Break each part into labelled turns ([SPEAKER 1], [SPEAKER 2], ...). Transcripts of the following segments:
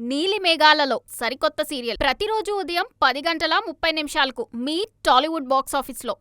[SPEAKER 1] నీలి మేఘాలలో సరికొత్త సీరియల్ ప్రతిరోజు ఉదయం 10:30 మీ టాలీవుడ్ బాక్స్ ఆఫీస్లో.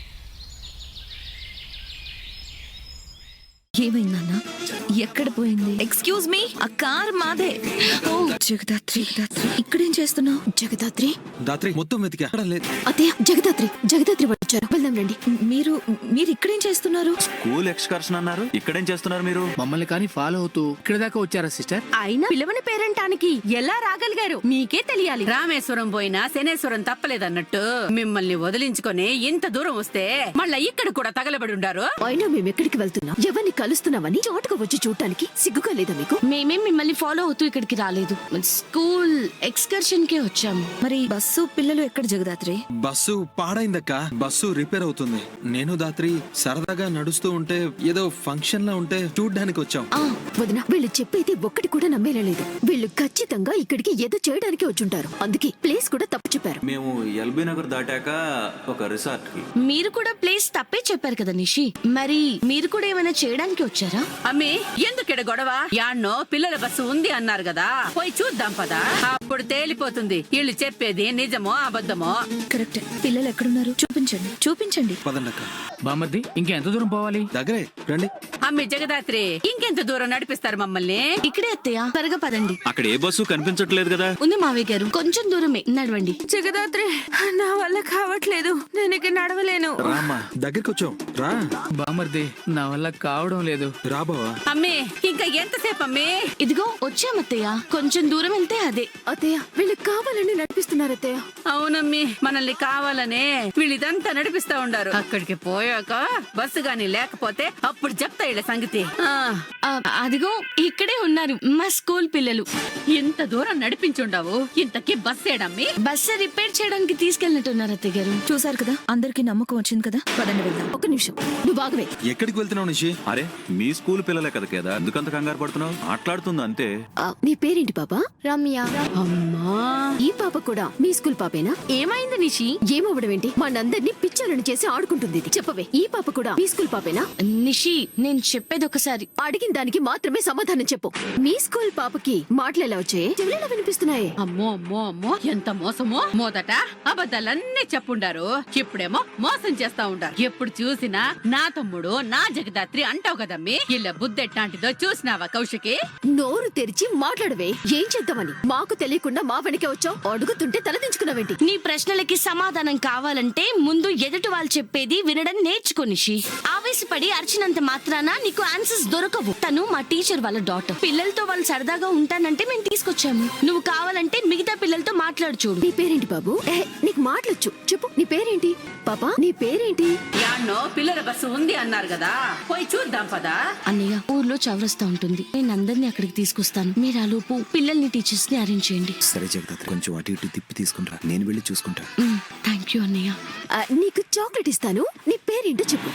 [SPEAKER 2] ఏమైందన్నా? ఎక్కడ పోయింది? ఎక్స్క్యూజ్ మీ, ఆ కార్ మాదే. ఓ జగదాత్రి, ఇక్కడేం చేస్తున్నావు?
[SPEAKER 3] జగదాత్రి
[SPEAKER 4] మొత్తం వెతికా, లేదు.
[SPEAKER 3] అత్తయ్య, జగదాత్రి వచ్చారు, వెళ్దాం రండి.
[SPEAKER 2] మీరు ఇక్కడేం చేస్తున్నారు?
[SPEAKER 5] స్కూల్ ఎక్స్కర్షన్ అన్నారు, ఇక్కడేం చేస్తున్నారు మీరు?
[SPEAKER 6] మమ్మల్ని కానీ ఫాలో అవుతూ ఇక్కడ దాకా వచ్చారా సిస్టర్?
[SPEAKER 7] అయినా పిలవని పేరంటానికి ఎలా రాగలిగారు మీకే తెలియాలి. రామేశ్వరం పోయినా శనేశ్వరం తప్పలేదన్నట్టు మిమ్మల్ని వదిలించుకొని ఇంత దూరం వస్తే మళ్ళా ఇక్కడ కూడా తగలబడి ఉండారు.
[SPEAKER 3] అయినా మేము ఎక్కడికి వెళ్తున్నాం, ఎవరిని కలుస్తున్నామని చోటుకు వచ్చి చూడటానికి సిగ్గుగా లేదా మీకు?
[SPEAKER 2] మేమేం మిమ్మల్ని ఫాలో అవుతూ ఇక్కడికి రాలేదు, స్కూల్ ఎక్స్కర్షన్ కే వచ్చాము. మరి బస్సు పిల్లలు ఎక్కడ జగదాత్రి?
[SPEAKER 4] బస్సు పాడైందక్క, బస్సు రిపేర్ అవుతుంది. నేను దాత్రి సరదాగా నడుస్తూ ఉంటే ఏదో ఫంక్షన్ లా ఉంటే చూడ్డానికి వచ్చాం.
[SPEAKER 3] వదినా, వీళ్ళు చెప్పేది ఒక్కటి కూడా నమ్మేలేదు. వీళ్ళు ఖచ్చితంగా ఇక్కడికి ఏదో చేయడానికి వచ్చుంటారు, అందుకే ప్లేస్ కూడా తప్పు చెప్పారు.
[SPEAKER 5] మేము ఎల్బీ నగర్ దాటాక ఒక రిసార్ట్ కి.
[SPEAKER 2] మీరు కూడా ప్లేస్ తప్పే చెప్పారు కదా నిషి, మరి మీరు కూడా ఏమైనా చేయడానికి వచ్చారా?
[SPEAKER 7] అమ్మి, ఎందుకెడ గొడవ? యాన్నో పిల్లల బస్సు ఉంది అన్నారు కదా, పోయి చూద్దాం పదా, అప్పుడు తేలిపోతుంది వీళ్ళు చెప్పేది నిజమో అబద్ధమో.
[SPEAKER 2] కరెక్ట్. పిల్లలు ఎక్కడున్నారు? చూపించండి.
[SPEAKER 4] పదండక్క.
[SPEAKER 6] బామ్మర్ది, ఇంకెంత దూరం పోవాలి?
[SPEAKER 4] దగ్గరే రండి.
[SPEAKER 7] అమ్మి జగదాత్రి, ఇంకెంత దూరం నడిపిస్తారు మమ్మల్ని?
[SPEAKER 2] ఇక్కడే అత్తయ్య, త్వరగా పదండి.
[SPEAKER 5] అక్కడ ఏ బస్సు కనిపించట్లేదు కదా.
[SPEAKER 2] ఉంది మావయ్య గారు, కొంచెం దూరమే, నడవండి.
[SPEAKER 7] జగదాత్రి, నా వల్ల కావట్లేదు, నేను ఇక నడవలేను.
[SPEAKER 4] రామ్మా, దగ్గరికి వచ్చాం, రా.
[SPEAKER 6] బామ్మర్ది, నా వల్ల కావడం లేదు.
[SPEAKER 4] రా బావా.
[SPEAKER 7] అమ్మి, ఇంకా ఎంతసేపు అమ్మి?
[SPEAKER 2] ఇదిగో వచ్చామత్తయ్య, కొంచెం దూరం వెళ్తే అదే.
[SPEAKER 3] అత్తయ్య, వీళ్ళు కావాలని నడిపిస్తున్నారు అత్తయ్య.
[SPEAKER 7] అవునమ్మి, మనల్ని కావాలనే వీళ్ళిదంతా నడిపిస్తా ఉండారు. అక్కడికి పోయాక బస్సు గాని లేకపోతే అప్పుడు చెప్తా వీళ్ళ సంగతి.
[SPEAKER 2] అదిగో ఇక్కడే ఉన్నారు మా స్కూల్ పిల్లలు.
[SPEAKER 7] ఇంత దూరం నడిపించుండావు, ఇంతకీ బస్ ఏడమ్మి?
[SPEAKER 2] బస్సు రిపేర్ చేయడానికి తీసుకెళ్ళినట్టున్నారు అత్తయ్య గారు. చూసారు కదా, అందరికి నమ్మకం వచ్చింది కదా, పదండి వెళ్దాం.
[SPEAKER 3] ఒక నిమిషం, నువ్వు బాగవే.
[SPEAKER 4] ఎక్కడికి వెళ్తున్నావు నిషి?
[SPEAKER 5] అరే, మీ స్కూల్ పిల్లలే కదా కదా, ఎందుకంత కంగారు పడుతున్నావు? మాట్లాడుతుంది అంతే.
[SPEAKER 3] నీ పేరేంటి పాపా?
[SPEAKER 2] రమ్య.
[SPEAKER 7] అమ్మా,
[SPEAKER 3] ఈ పాప కూడా మీ స్కూల్ పాపేనా?
[SPEAKER 2] ఏమైంది నిషి?
[SPEAKER 3] ఏమవ్వడం ఏంటి? మనందరినీ పిచ్చోళ్ళని చేసి ఆడుకుంటుంది ఇది. చెప్పవే, ఈ పాప కూడా మీ స్కూల్ పాపేనా?
[SPEAKER 2] నిషి, నేను చెప్పేది ఒకసారి.
[SPEAKER 3] అడిగిన దానికి మాత్రమే సమాధానం చెప్పు. మీ స్కూల్ పాపకి మాటలు ఎలా వచ్చాయి? చెవులలో వినిపిస్తున్నాయి.
[SPEAKER 7] అమ్మో అమ్మో అమ్మో, ఎంత మోసమో! మొదట అబద్ధాలన్నీ చెప్పుండారు, ఇప్పుడేమో మోసం చేస్తా ఉండారు. ఎప్పుడు చూసినా నా తమ్ముడు, నా జగదాత్రి అంటావు కదమ్మి. ఇలా బుద్ధెట్టాంటిదో చూసినావా కౌశికి?
[SPEAKER 3] నోరు తెరిచి మాట్లాడవే. ఏం చేద్దామని మాకు తెలియకుండా మా వెనకే వచ్చావు. అడుగుతుంటే తలదించుకున్నావేంటి?
[SPEAKER 2] నీ ప్రశ్నలకి సమాధానం కావాలంటే ముందు ఎదుటి వాళ్ళు చెప్పేది వినడం నేర్చుకో నిషి. ఆవేశపడి అరిచినంత మాత్రాన నీకు ఆన్సర్స్ దొరకవు. తను మా టీచర్ వాళ్ళ డాటర్. పిల్లలతో వాళ్ళు సరదాగా ఉంటానంటే మేము తీసుకొచ్చాము. నువ్వు కావాలంటే మిగతా పిల్లలతో మాట్లాడు చూడు.
[SPEAKER 3] నీ పేరేంటి బాబు? నీకు మాట్లాడచ్చు, చెప్పు. నీ పేరేంటి పాపా? నీ పేరేంటి?
[SPEAKER 7] యాన్నో పిల్లల బస్సు ఉంది అన్నారు కదా, పోయి చూద్దాం పదా.
[SPEAKER 2] అన్నయ్య, ఊర్లో చౌరస్తా ఉంటుంది, నేను అందరినీ అక్కడికి తీసుకొస్తాను. మీరు ఆలోపు పిల్లల్ని టీచర్స్ ని అరేంజ్ చేయండి.
[SPEAKER 4] సరే జగదాత్రి, కొంచెం అటు ఇటు తిప్పి తీసుకుంటా, నేను వెళ్ళి చూసుకుంటా.
[SPEAKER 2] థ్యాంక్ యూ అన్నయ్య.
[SPEAKER 3] నీకు చాక్లెట్ ఇస్తాను. నీ పేరేంటో చెప్పు.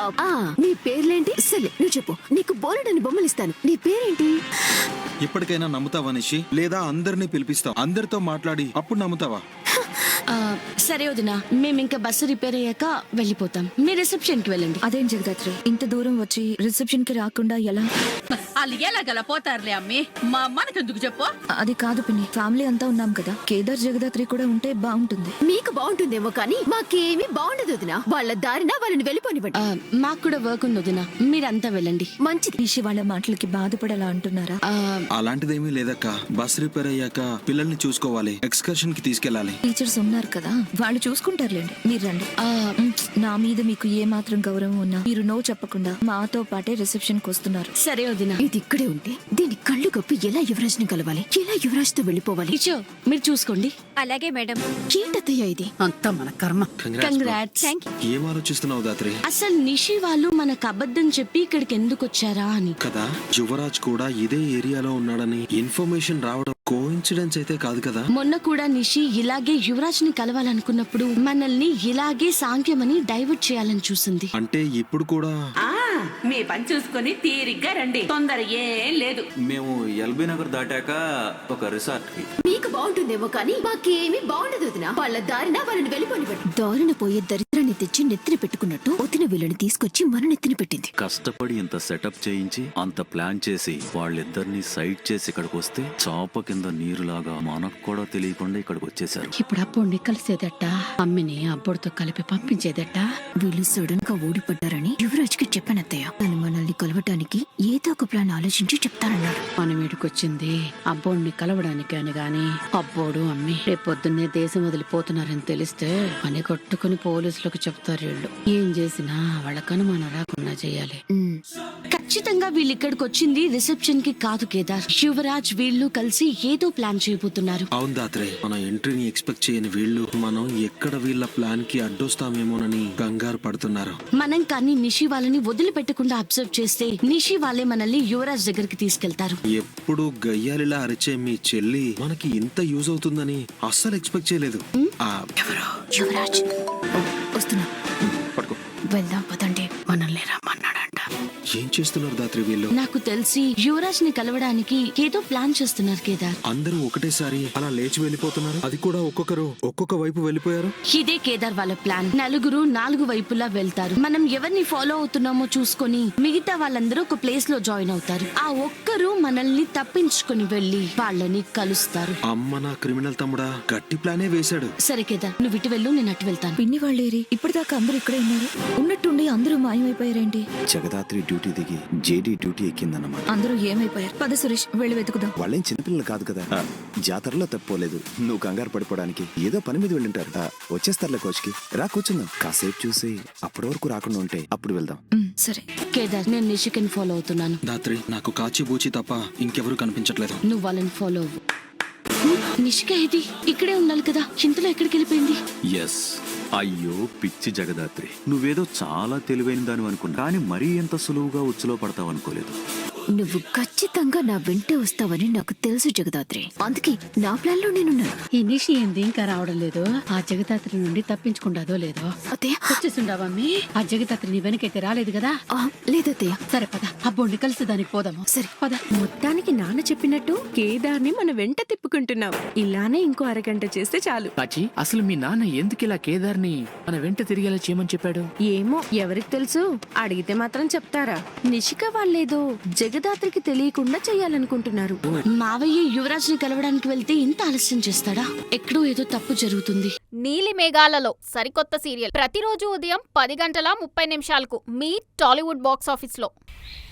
[SPEAKER 3] నీ పేర్లేంటి? సరే నువ్వు చెప్పు. నీకు బోలెడని బొమ్మలు ఇస్తాను. నీ పేరేంటి?
[SPEAKER 4] ఇప్పటికైనా నమ్ముతావా నిషి? లేదా అందరినీ పిలిపిస్తావు, అందరితో మాట్లాడి అప్పుడు నమ్ముతావా?
[SPEAKER 2] సరే వదినా, మేము ఇంకా బస్సు రిపేర్ అయ్యాక వెళ్ళిపోతాం. మీ రిసెప్షన్ కి వెళ్ళండి. అదేం జగదాత్రి, ఇంత దూరం వచ్చి రిసెప్షన్ కి రాకుండా ఎలా?
[SPEAKER 7] వాళ్ళు ఎలాగలా పోతారులే అమ్మి, మా మనకెందుకు చెప్పు?
[SPEAKER 2] అది కాదు పిన్ని, ఫ్యామిలీ అంతా ఉన్నాం కదా, కేదార్ జగదాత్రి కూడా ఉంటే బాగుంటుంది.
[SPEAKER 3] మీకు బాగుంటుందేమో కానీ మాకేమీ బాగుండదు వదినా. వాళ్ళ దారిన వాళ్ళని వెళ్ళిపోనివ్వండి.
[SPEAKER 2] మాకు కూడా వర్క్ ఉంది వదినా, మీరంతా వెళ్ళండి.
[SPEAKER 3] మంచిది.
[SPEAKER 2] నిషి వాళ్ళ మాటలకి బాధపడేలా అంటున్నారా?
[SPEAKER 4] అలాంటిదేమీ లేదక్క. బస్ రిపేర్ అయ్యాక పిల్లల్ని చూసుకోవాలి, ఎక్స్కర్షన్ కి తీసుకెళ్లాలి.
[SPEAKER 2] టీచర్స్ ఉన్నారు కదా, వాళ్ళు చూసుకుంటారులేండి, మీరు రండి. నా మీద మీకు ఏ మాత్రం గౌరవం ఉన్నా మీరు నో చెప్పకుండా మాతో పాటే రిసెప్షన్ కి వస్తున్నారు. సరే వదినా.
[SPEAKER 3] ఇది ఇక్కడే ఉంటే దీని కళ్ళు కప్పి ఎలా యువరాజ్ ని కలవాలి, ఎలా యువరాజ్ తో వెళ్ళిపోవాలి?
[SPEAKER 2] మీరు చూసుకోండి.
[SPEAKER 8] అలాగే మేడం.
[SPEAKER 3] ఏంటత్తయ్య ఇది?
[SPEAKER 7] అంతా మన కర్మ.
[SPEAKER 2] కంగ్రాట్స్.
[SPEAKER 4] ఏం ఆలోచిస్తున్నావు దాత్రి?
[SPEAKER 2] అసలు నిషి వాళ్ళు మనకు అబద్ధం చెప్పి ఇక్కడికి ఎందుకు వచ్చారా అని
[SPEAKER 4] కదా. యువరాజ్ కూడా ఇదే ఏరియాలో ఉన్నాడని ఇన్ఫర్మేషన్ రావడం కోఇన్సిడెన్స్ అయితే కాదు కదా.
[SPEAKER 2] మొన్న కూడా నిషి ఇలాగే యువరాజ్ ని కలవాలనుకున్నప్పుడు మనల్ని ఇలాగే సాంఖ్యమని డైవర్ట్ చేయాలని చూసింది.
[SPEAKER 4] అంటే ఇప్పుడు కూడా
[SPEAKER 7] మీ పని చూసుకొని తీరిగ్గా రండి, తొందర ఏం లేదు.
[SPEAKER 5] మేము ఎల్బీ నగర్ దాటాక ఒక రిసార్ట్ కి.
[SPEAKER 3] మీకు బాగుంటుందేమో కానీ మాకేమీ బాగుండదు వదినా. వాళ్ళ దారిన వాళ్ళని వెళ్ళిపోనివ్వండి. దారిన పోయే దరిద్రాన్ని కత్తిని తెచ్చి నెత్తిన పెట్టుకున్నట్టు వదిన వీళ్ళని తీసుకొచ్చి మన నెత్తిన పెట్టింది.
[SPEAKER 5] కష్టపడి ఇంత సెటప్ చేయించి అంత ప్లాన్ చేసి వాళ్ళిద్దరిని సైడ్ చేసి ఇక్కడికి వస్తే చాప కింద నీరులాగా మనకు కూడా తెలియకుండా ఇక్కడికి వచ్చేసారు.
[SPEAKER 7] ఇప్పుడు అబ్బోడిని కలిసేదట, అమ్మిని అబ్బోడితో కలిపి పంపించేదట.
[SPEAKER 3] వీళ్ళు సడన్ గా ఓడిపడ్డారని యువరాజ్ కి చెప్పానత్తయ్య. తను మనల్ని కలవటానికి ఏదో ఒక ప్లాన్ ఆలోచించి చెప్తానన్నాడు.
[SPEAKER 7] మనం వీడికొచ్చింది అబ్బోడిని కలవడానికి అని గాని అబ్బోడు అమ్మి రేపొద్దున్నే దేశం వదిలిపోతున్నారని తెలిస్తే పని కొట్టుకుని పోలీసులకు చెప్తారు. వీళ్ళు ఏం చేసినా వాళ్ళకి అనుమానం రాకుండా చేయాలి.
[SPEAKER 2] ఖచ్చితంగా వీళ్ళు ఇక్కడికి వచ్చింది రిసెప్షన్ కి కాదు కేదార్. యువరాజ్ వీళ్ళు కలిసి ఏదో ప్లాన్ చేయబోతున్నారు.
[SPEAKER 4] అవును దాత్రే, మన ఎంట్రీని ఎక్స్పెక్ట్ చేయని వీళ్ళు మనం ఎక్కడ వీళ్ళ ప్లాన్ కి అడ్డొస్తామేమోనని కంగారు పడుతున్నారు.
[SPEAKER 2] మనం కానీ నిషి వాళ్ళని వదిలిపెట్టకుండా అబ్జర్వ్ చేస్తే నిషి వాళ్ళే మనల్ని యువరాజ్ దగ్గరికి తీసుకెళ్తారు.
[SPEAKER 4] ఎప్పుడు గయ్యాలిలా అరిచే మీ చెల్లి మనకి ఇంత యూజ్ అవుతుందని అస్సలు ఎక్స్పెక్ట్ చేయలేదు.
[SPEAKER 3] యువరాజ్ వస్తున్నా,
[SPEAKER 4] పట్టుకో.
[SPEAKER 3] వెళ్దాం పదండి.
[SPEAKER 7] మనల్ని రమ్మన్నాడంట.
[SPEAKER 4] ఏం చేస్తున్నారు దాత్రి వీళ్ళు?
[SPEAKER 2] నాకు తెలిసి యువరాజ్ ని కలవడానికి ఏదో ప్లాన్ చేస్తున్నారు కేదార్.
[SPEAKER 4] అందరూ ఒకటేసారి అలా లేచి వెళ్ళిపోతున్నారు, అది కూడా ఒక్కొక్కరు ఒక్కొక్క వైపు వెళ్ళిపోయారు.
[SPEAKER 2] ఇదే కేదార్ వాళ్ళ ప్లాన్. నలుగురు 4 వైపులా వెళ్తారు. మనం ఎవరిని ఫాలో అవుతున్నామో చూసుకొని మిగతా వాళ్ళందరూ ఒక ప్లేస్ లో జాయిన్ అవుతారు. ఆ ఒక్కరు మనల్ని తప్పించుకొని వెళ్లి వాళ్ళని కలుస్తారు.
[SPEAKER 4] అమ్మ నా క్రిమినల్ తమ్ముడా, గట్టి ప్లానే వేశాడు.
[SPEAKER 2] సరే కేదార్, నువ్వు ఇటు వెళ్ళు, నేను అటు వెళ్తాను.
[SPEAKER 3] పిన్ని వాళ్ళేరి ఇప్పటిదాకా అందరూ ఇక్కడే ఉన్నారు. ఉన్నట్టుండి అందరూ మాయమైపోయారేంటి?
[SPEAKER 8] జగదాత్రి డ్యూటీ దిగి జేడీ డ్యూటీ ఎక్కిందన్నమాట.
[SPEAKER 3] అందరూ ఏమైపోయారు? పద సురేష్, వెళ్ళి వెతుకుదాం.
[SPEAKER 8] వాళ్ళేం చిన్నపిల్లలు కాదు కదా. జాతరలో తప్పుకోలేదు. నువ్వు కంగారు పడిపోవడానికి ఏదో పని మీద వెళ్ళుంటారు. వచ్చేస్తారులే కోచ్కి. రా కూర్చుందాం. కాసేపు చూసి అప్పటి వరకు రాకుండా ఉంటే అప్పుడు వెళ్దాం.
[SPEAKER 3] సరే
[SPEAKER 2] కేదార్, నేను నిషికని ఫాలో అవుతున్నాను.
[SPEAKER 4] దాత్రి, నాకు కాచి బూచి తప్ప ఇంకెవరూ కనిపించట్లేదు.
[SPEAKER 2] నువ్వు వాళ్ళని ఫాలో అవ్వు. నిషిక ఇది ఇక్కడే ఉండాలి కదా, ఇంతలో ఎక్కడికి వెళ్ళిపోయింది?
[SPEAKER 5] ఎస్. అయ్యో పిచ్చి జగదాత్రి, నువ్వేదో చాలా తెలివైన దాని అనుకున్నా, కానీ మరీ ఎంత సులువుగా ఉచ్చులో పడతావు అనుకోలేదు.
[SPEAKER 3] నువ్వు ఖచ్చితంగా నా వెంటే వస్తావని నాకు తెలుసు జగదాత్రి. అందుకే నా ప్లాన్ లో నేనున్నాను.
[SPEAKER 7] ఈ నిషి ఏంది ఇంకా రావడం లేదు? ఆ జగదాత్రి నుండి తప్పించుకుంటాదో లేదో.
[SPEAKER 3] అత్తయ్య,
[SPEAKER 7] వచ్చేసిండావమ్మి? ఆ జగదాత్రి నీ వెనకైతే రాలేదు కదా?
[SPEAKER 3] లేదత్తయ్య.
[SPEAKER 7] సరే పద, అబ్బోడిని కలిసి దానికి పోదాము.
[SPEAKER 3] సరే
[SPEAKER 7] పద.
[SPEAKER 9] మొత్తానికి నాన్న చెప్పినట్టు కేదార్ని మన వెంట తిప్పుకుంటున్నాం. ఇలానే ఇంకో అరగంట చేస్తే చాలు.
[SPEAKER 6] కాచి, అసలు మీ నాన్న ఎందుకు ఇలా కేదార్ని మన వెంట తిరిగేలా చేయమని చెప్పాడు?
[SPEAKER 9] ఏమో, ఎవరికి తెలుసు? అడిగితే మాత్రం చెప్తారా? నిషిక వాళ్ళేదో జగదాత్రికి తెలియకుండా చెయ్యాలనుకుంటున్నారు.
[SPEAKER 2] మావయ్య యువరాజ్ ని కలవడానికి వెళ్తే ఇంత ఆలస్యం చేస్తాడా? ఎక్కడో ఏదో తప్పు జరుగుతుంది.
[SPEAKER 1] నీలి మేఘాలలో సరికొత్త సీరియల్ ప్రతిరోజు ఉదయం 10 గంటల 30 నిమిషాలకు మీ టాలీవుడ్ బాక్స్ ఆఫీస్లో.